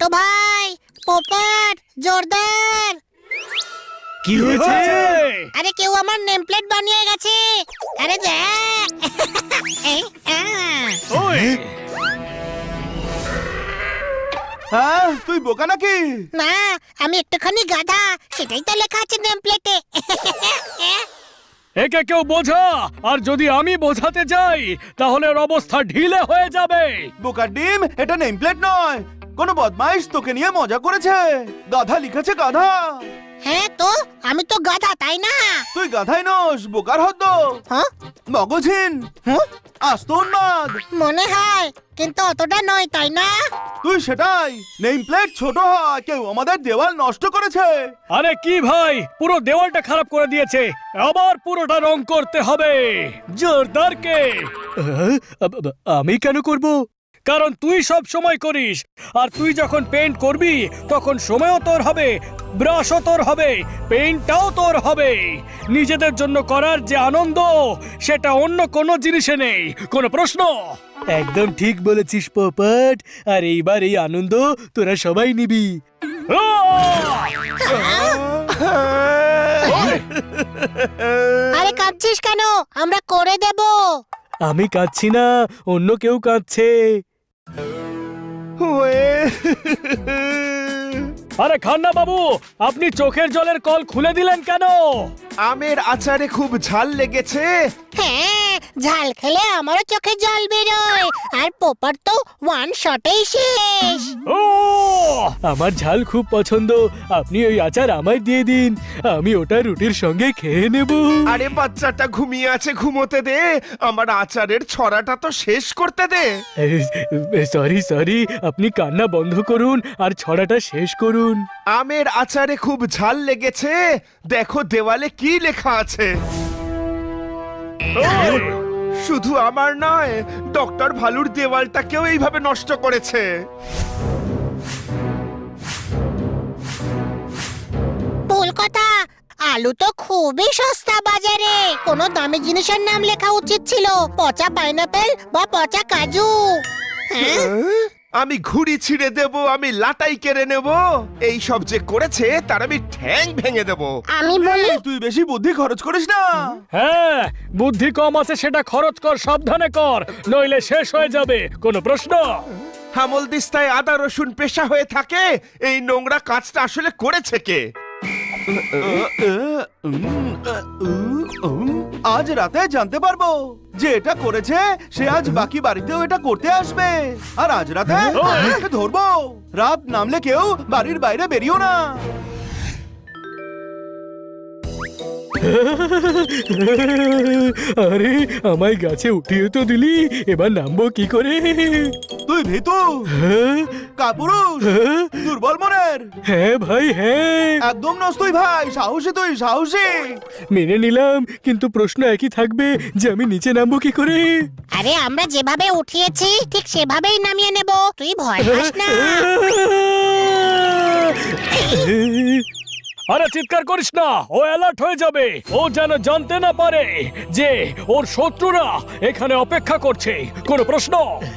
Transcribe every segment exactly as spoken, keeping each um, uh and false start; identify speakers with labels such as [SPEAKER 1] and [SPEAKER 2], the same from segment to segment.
[SPEAKER 1] ভাই, পোপট, জোরদার।
[SPEAKER 2] কি হয়েছে?
[SPEAKER 1] আরে কেউ আমার নেম প্লেট বানিয়ে গেছে। আরে দেখ। এই, আহ।
[SPEAKER 2] ওই
[SPEAKER 3] হ্যাঁ, তুই বোকা নাকি?
[SPEAKER 1] না, আমি একটুখানি গাধা, সেটাই তো লেখা আছে নেম প্লেটে।
[SPEAKER 2] একে কেউ বোঝা, আর যদি আমি বোঝাতে যাই তাহলে ওর অবস্থা ঢিলে হয়ে যাবে।
[SPEAKER 3] বোকার ডিম, এটা নেম প্লেট নয়। কোনো বদমাইশ তোকে নিয়ে মজা করেছে। গাধা লিখেছে গাধা।
[SPEAKER 1] হ্যাঁ তো, আমি তো গাধা, তাই না?
[SPEAKER 3] তুই গাধাই নস, বোকার হদ্দ।
[SPEAKER 1] হ্যাঁ,
[SPEAKER 3] মগজহীন।
[SPEAKER 1] হুঁ,
[SPEAKER 3] আস্ত উন্মাদ।
[SPEAKER 1] মনে হয়, কিন্তু অতটা নয়, তাই না?
[SPEAKER 3] তুই সেটাই। নেম প্লেট ছোট হয়, কেউ আমাদের দেওয়াল নষ্ট করেছে।
[SPEAKER 2] আরে কি ভাই, পুরো দেওয়ালটা খারাপ করে দিয়েছে। আবার পুরোটা রং করতে হবে। জোরদারকে আমি কেন করব? কারণ তুই সব সময় করিস, আর তুই যখন পেইন্ট করবি তখন সময়ও তোর হবে, ব্রাশও তোর হবে, পেইন্টটাও তোর হবে। নিজেদের জন্য করার যে আনন্দ, সেটা অন্য কোনো জিনিসে নেই। কোনো প্রশ্ন? একদম ঠিক বলেছিস পোপট। আর এইবার এই আনন্দ তোরা সবাই নিবি।
[SPEAKER 1] আরে কাঁদছিস কেন? আমরা করে দেব।
[SPEAKER 2] আমি কাঁদছি না, অন্য কেউ কাঁদছে। আরে খান্না বাবু, আপনি চোখের জলের কল খুলে দিলেন কেন?
[SPEAKER 4] আমের আচারে খুব ঝাল লেগেছে।
[SPEAKER 1] হ্যাঁ, ঝাল খেলে আমারও চোখে জল বেরোয়, আর পোপট তো ওয়ান শটেই শেষ।
[SPEAKER 2] ও, আমার ঝাল খুব পছন্দ। আপনি ওই আচার আমায় দিয়ে দিন, আমি ওটা রুটির সঙ্গে খেয়ে নেব।
[SPEAKER 4] আরে বাচ্চাটা ঘুমিয়ে আছে, ঘুমোতে দে। আমার আচারের ছড়াটা তো শেষ করতে দে।
[SPEAKER 2] সরি সরি, আপনি কান্না বন্ধ করুন আর ছড়াটা শেষ করুন।
[SPEAKER 4] আমের আচারে খুব ঝাল লেগেছে, দেখো দেওয়ালে কি লেখা আছে। শুধু আমার নয়, ডক্টর ভালুর দেওয়ালটাকেও এইভাবে নষ্ট করেছে।
[SPEAKER 1] ভুল কথা, আলু তো খুবই সস্তা বাজারে। কোনো দামি জিনিসের নাম লেখা উচিত ছিল, পচা পাইনাপেল বা পচা কাজু। হ্যাঁ,
[SPEAKER 4] আমি ঘুড়ি ছিঁড়ে দেব, আমি লাটাই কেড়ে নেব। এই সব যে করেছে তার আমি ঠ্যাং ভেঙে দেব।
[SPEAKER 1] আমি বলি,
[SPEAKER 3] তুই বেশি বুদ্ধি খরচ করিস না।
[SPEAKER 2] হ্যাঁ, বুদ্ধি কম আছে সেটা খরচ কর, সাবধানে কর, নইলে শেষ হয়ে যাবে। কোনো প্রশ্ন?
[SPEAKER 4] হামল দিস্তায় আদা রসুন পেশা হয়ে থাকে, এই নোংরা কাজটা আসলে করেছে কে?
[SPEAKER 3] আজ রাতে জানতে পারবো যে এটা করেছে সে আজ বাকি বাড়িতেও এটা করতে আসবে। আর আজ রাতে ওকে ধরবো। রাত নামলে কেউ বাড়ির বাইরে বেরিও না।
[SPEAKER 2] আরে আমায় গাছে উঠিয়ে তো দিলি, এবার নামবো কি করে?
[SPEAKER 3] তুই ভীতু, কাপুরুষ, দুর্বল মনের।
[SPEAKER 2] হ্যাঁ ভাই, হ্যাঁ
[SPEAKER 3] একদম নস তুই ভাই, সাহসী তুই, সাহসী।
[SPEAKER 2] মেনে নিলাম, কিন্তু প্রশ্ন একই থাকবে যে আমি নিচে নামবো কি করে?
[SPEAKER 1] আরে আমরা যেভাবে উঠিয়েছি ঠিক সেভাবেই নামিয়ে নেব, তুই ভয় পাস না।
[SPEAKER 2] আরে চিৎকার করিস না, ও অ্যালার্ট হয়ে যাবে। ও যেন জানতে না পারে যে ওর শত্রুরা এখানে অপেক্ষা করছে। কোনো প্রশ্ন?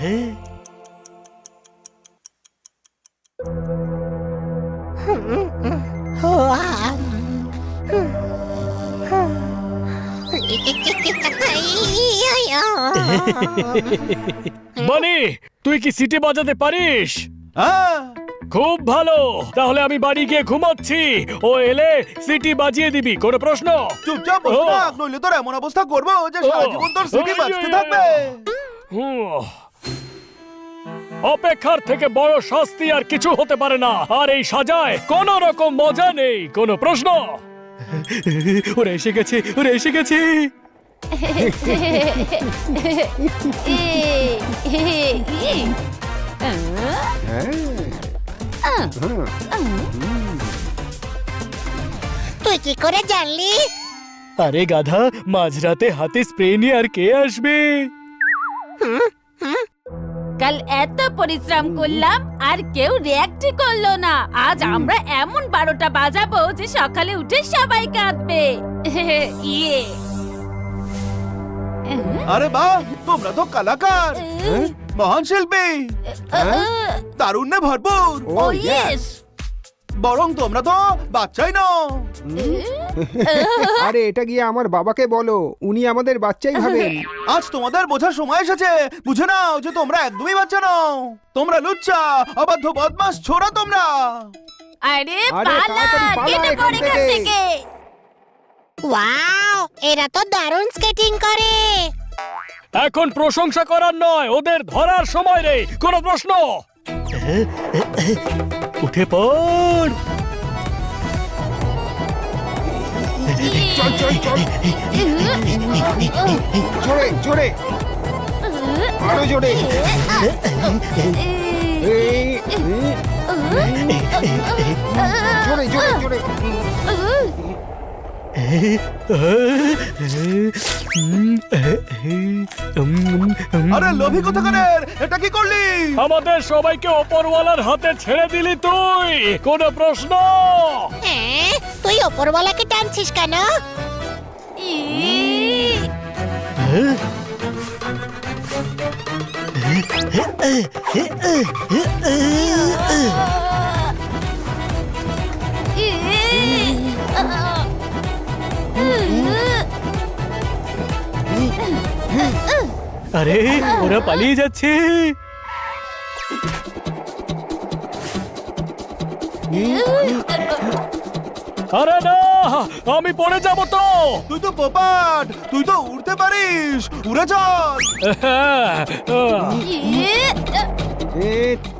[SPEAKER 2] বানি, তুই কি সিটি বাজাতে পারিস?
[SPEAKER 3] হ্যাঁ,
[SPEAKER 2] খুব ভালো, তাহলে আমি বাড়ি গিয়ে ঘুমাচ্ছি। ও এলে সিটি বাজিয়ে দিবি। কোনো প্রশ্ন?
[SPEAKER 3] চুপচাপ বসে থাক, নইলে তোর এমন অবস্থা করবো যে সারা জীবন তোর সিটি বাজতে থাকবে।
[SPEAKER 2] হুম। অপেক্ষার থেকে বড় শাস্তি আর কিছু হতে পারে না, আর এই সাজায় কোনো রকম মজা নেই। কোনো প্রশ্ন? ওরা এসে গেছে, ওরা এসে গেছে।
[SPEAKER 1] তুই কি করে জানলি?
[SPEAKER 2] আরে গাধা, মাঝরাতে হাতে স্প্রে নিয়ে আর কে আসবে?
[SPEAKER 5] কাল এত পরিশ্রম করলাম আর কেউ রিঅ্যাক্টই করলো না। আজ আমরা এমন বারোটা বাজাবো যে সকালে উঠে সবাই কাঁদবে। ইয়ে
[SPEAKER 3] আরে বাহ, তোমরা তো কলাকার। মহান শিল্পী তারুণ্যে ভরপুর
[SPEAKER 5] ও ইয়েস
[SPEAKER 3] বরং তোমরা তো বাচ্চাই নও।
[SPEAKER 6] আরে এটা গিয়ে আমার বাবাকে বলো, উনি আমাদের বাচ্চাই ভাবেন।
[SPEAKER 3] আজ তোমাদের বোঝার সময় এসেছে। বুঝে নাও যে তোমরা একদমই বাচ্চা নও। তোমরা লুচ্চা অবাধ্য বদমাস ছোড়া তোমরা।
[SPEAKER 5] আরে
[SPEAKER 6] আরে,
[SPEAKER 5] পালা
[SPEAKER 6] তাড়াতাড়ি পালা
[SPEAKER 5] কেটে
[SPEAKER 6] এখান
[SPEAKER 5] পড়ে এখান
[SPEAKER 6] থেকে।
[SPEAKER 5] থেকে
[SPEAKER 1] ওয়াও, এরা তো দারুণ স্কেটিং করে।
[SPEAKER 2] এখন প্রশংসা করার নয়, ওদের ধরার সময় রে। কোনো প্রশ্ন? উঠে পড়।
[SPEAKER 6] চল চল চল, জোরে জোরে, আরো জোরে। এই, জোরে জোরে জোরে।
[SPEAKER 3] আরে লোভী কোথাকারের, এটা কি করলি?
[SPEAKER 2] আমাদের সবাইকে ওপরওয়ালার হাতে ছেড়ে দিলি তুই। কোনো প্রশ্ন?
[SPEAKER 1] হ্যাঁ, তুই ওপরওয়ালাকে টানছিস কেন?
[SPEAKER 2] আরে ওরা পালিয়ে যাচ্ছে। আরে না, আমি পড়ে যাব তো।
[SPEAKER 3] তুই তো পোপাট, তুই তো উড়তে পারিস। উড়ে চল।
[SPEAKER 6] এ,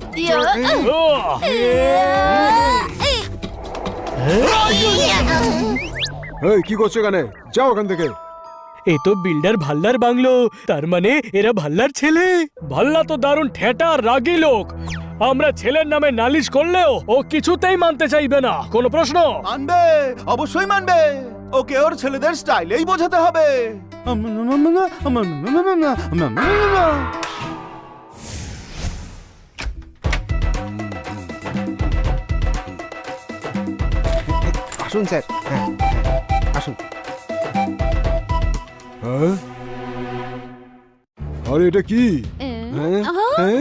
[SPEAKER 6] এই কি করছো এখানে? যাও ওখান থেকে।
[SPEAKER 2] এ তো বিল্ডার ভাল্লার বাংলো। তার মানে এরা ভাল্লার ছেলে। ভাল্লা তো দারুণ ঠেটা রাগী লোক। আমরা ছেলের নামে নালিশ করলেও ও কিছুতেই মানতে চাইবে না। কোনো প্রশ্ন?
[SPEAKER 3] মানবে, অবশ্যই মানবে। ওকে ওর ছেলেদের স্টাইলেই বোঝাতে হবে।
[SPEAKER 6] আসুন স্যার, হ্যাঁ হ্যাঁ, আসুন।
[SPEAKER 7] হ্যাঁ? আরে এটা কি? হ্যাঁ? হ্যাঁ?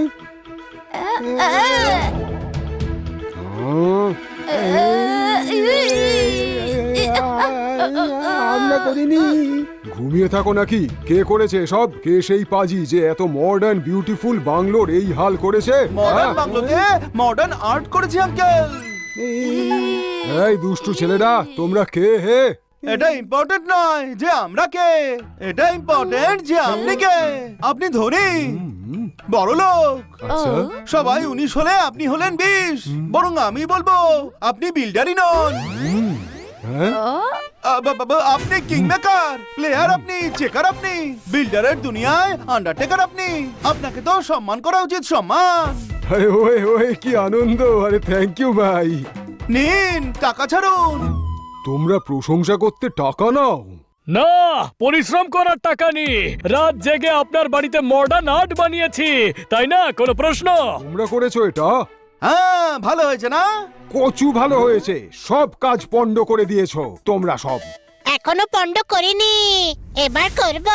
[SPEAKER 6] আমরা করিনি।
[SPEAKER 7] ঘুমিয়ে থাকো নাকি? কে করেছে সব? কে সেই পাজি যে এত মডার্ন বিউটিফুল বাংলোর এই হাল করেছে?
[SPEAKER 3] মডার্ন
[SPEAKER 7] হ্যাঁ?
[SPEAKER 3] বাংলোতে মডার্ন আর্ট করেছি আঙ্কেল।
[SPEAKER 7] এই দুষ্টু ছেলেরা, তোমরা কে হে?
[SPEAKER 3] এটা ইম্পর্টেন্ট নয় যে আমরা কে, এটা ইম্পর্টেন্ট যে আপনি কে। আপনি ধনী, বড় লোক।
[SPEAKER 7] আচ্ছা,
[SPEAKER 3] সবাই উনিশ হলে আপনি হলেন বিশ। বরং আমি বলবো আপনি বিল্ডারই নন।
[SPEAKER 7] হ্যাঁ?
[SPEAKER 3] আ, বা- বা- বা- আপনি কিং মেকার, প্লেয়ার আপনি, চেকার আপনি, বিল্ডারের দুনিয়ায় আন্ডারটেকার আপনি। আপনাকে তো সম্মান করা উচিত, সম্মান।
[SPEAKER 7] আরে ওয়ে ওয়ে, কি আনন্দ! আরে থ্যাংক ইউ ভাই।
[SPEAKER 3] নিন টাকা ছাড়ুন।
[SPEAKER 7] তোমরা প্রশংসা করতে টাকা নাও?
[SPEAKER 2] না, পরিশ্রম করার টাকা নি। রাত জেগে আপনার বাড়িতে মডার্ন আর্ট বানিয়েছি, তাই না? কোনো প্রশ্ন?
[SPEAKER 7] তোমরা করেছো এটা?
[SPEAKER 3] হ্যাঁ, ভালো হয়েছে না?
[SPEAKER 7] কচু ভালো হয়েছে। সব কাজ পণ্ড করে দিয়েছো তোমরা সব।
[SPEAKER 1] এখনো পণ্ড করিনি, এবার করব।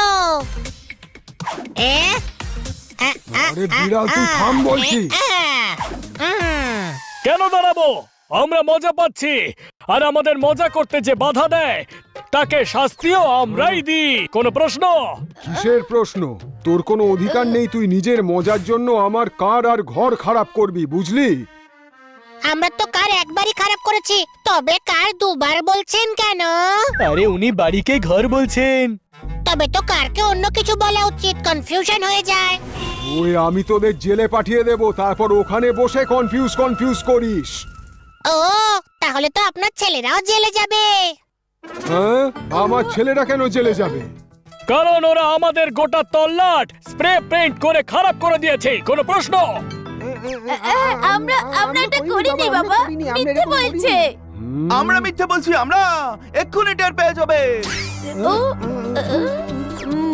[SPEAKER 1] এ আ, আ,
[SPEAKER 7] আরে
[SPEAKER 1] আ,
[SPEAKER 7] বিড়াল, তুই
[SPEAKER 1] আ,
[SPEAKER 7] থাম বলছি।
[SPEAKER 1] এ, আ, উম।
[SPEAKER 2] কেন দাঁড়াবো? আমরা মজা পাচ্ছি, আর আমাদের মজা করতে যে বাধা দেয় তাকে শাস্তিও আমরাই দিই। কোনো প্রশ্ন?
[SPEAKER 7] কিসের প্রশ্ন? তোর কোনো অধিকার নেই তুই নিজের মজার জন্য আমার কার আর ঘর খারাপ করবি, বুঝলি?
[SPEAKER 1] আমরা তো কার একবারই খারাপ করেছি, তবে কার দুবার বলছেন কেন?
[SPEAKER 2] আরে উনি বাড়িকে ঘর বলছেন।
[SPEAKER 1] তবে তো কারকে অন্য কিছু বলা উচিত, কনফিউশন হয়ে যায়।
[SPEAKER 7] ওই আমি তোদের জেলে পাঠিয়ে দেব, তারপর ওখানে বসে কনফিউজ কনফিউজ করিস।
[SPEAKER 1] ও, তাহলে তো আপনার ছেলেরাও জেলে যাবে।
[SPEAKER 7] হ্যাঁ? আমার ছেলেরা কেন জেলে যাবে?
[SPEAKER 2] কারণ ওরা আমাদের গোটা তল্লাট স্প্রে পেইন্ট করে খারাপ করে দিয়েছে। কোনো প্রশ্ন?
[SPEAKER 5] আমরা আমরা এটা করিনি বাবা, মিথ্যে বলছে।
[SPEAKER 3] আমরা মিথ্যে বলছি? আমরা এক্ষুনি টের পেয়ে যাবে।
[SPEAKER 5] ও উম,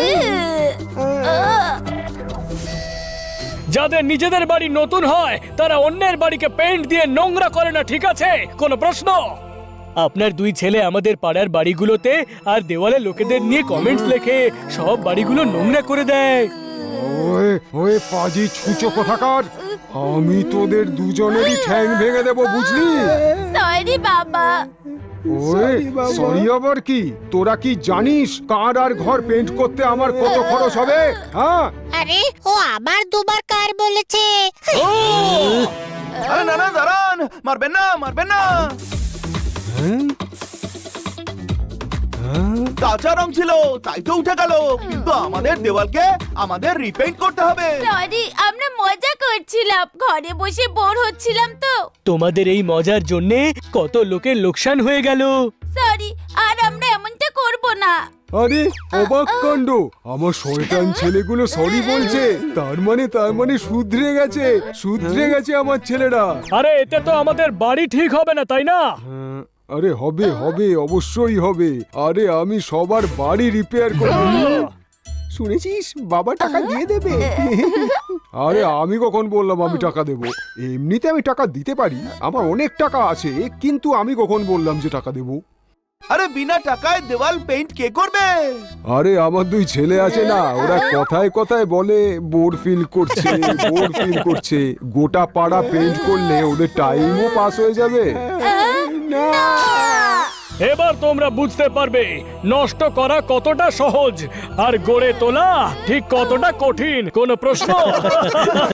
[SPEAKER 5] আহ,
[SPEAKER 2] যাদের নিজেদের বাড়ি নতুন হয় তারা অন্যের বাড়িকে পেইন্ট দিয়ে নোংরা করে না, ঠিক আছে? কোনো প্রশ্ন? আপনার দুই ছেলে আমাদের পাড়ার বাড়িগুলোতে আর দেওয়ালে লোকেদের নিয়ে কমেন্টস লেখে, সব বাড়িগুলো নোংরা করে দেয়।
[SPEAKER 7] ওয়ে ওয়ে পাজি ছুঁচো কোথাকার, আমি তোদের দুজনেরই ঠ্যাং ভেঙে দেবো, বুঝলি?
[SPEAKER 5] সরি বাবা।
[SPEAKER 7] ওয়ে
[SPEAKER 6] Sorry, বাবা।
[SPEAKER 7] সরি আবার কি? তোরা কি জানিস কার আর ঘর পেন্ট করতে আমার কত খরচ হবে? হ্যাঁ,
[SPEAKER 1] আরে ও আবার দুবার কার বলেছে।
[SPEAKER 3] আরে না না দাঁড়ান, মারবেন না মারবেন না।
[SPEAKER 7] হ্যাঁ? হ্যাঁ?
[SPEAKER 3] কাঁচা রং ছিল তাই তো উঠে গেল, কিন্তু আমাদের দেওয়ালকে আমাদের রিপেইন্ট করতে হবে।
[SPEAKER 5] সরি, আমরা মজা করছিলাম, ঘরে বসে বোর হচ্ছিলাম তো।
[SPEAKER 2] তোমাদের এই মজার জন্যে কত লোকের লোকসান হয়ে গেল।
[SPEAKER 5] সরি, আর আমরা এমনটা করব না।
[SPEAKER 7] আরে অবাক কাণ্ড, আমার শয়তান ছেলেগুলো সরি বলছে, তার মানে তার মানে শুধরে গেছে, শুধরে গেছে আমার ছেলেরা।
[SPEAKER 2] আরে এতে তো আমাদের বাড়ি ঠিক হবে না, তাই না?
[SPEAKER 7] হ্যাঁ, আরে হবে হবে, অবশ্যই হবে। আরে আমি সবার বাড়ি রিপেয়ার করব।
[SPEAKER 6] শুনেছিস বাবা টাকা দিয়ে দেবে।
[SPEAKER 7] আরে আমি কখন বললাম আমি টাকা দেব? এমনিতে আমি টাকা দিতে পারি, আমার অনেক টাকা আছে, কিন্তু আমি কখন বললাম যে টাকা দেব?
[SPEAKER 3] আরে বিনা টাকায় দেওয়াল পেইন্ট কে করবে?
[SPEAKER 7] আরে আমার দুই ছেলে আছে না, ওরা কথায় কথায় বলে বোর ফিল করছে, বোর ফিল করছে। গোটা পাড়া পেইন্ট করলে ওদের টাইমও পাস হয়ে যাবে।
[SPEAKER 2] এবার তোমরা বুঝতে পারবে নষ্ট করা কতটা সহজ আর গড়ে তোলা ঠিক কতটা কঠিন। কোনো প্রশ্ন?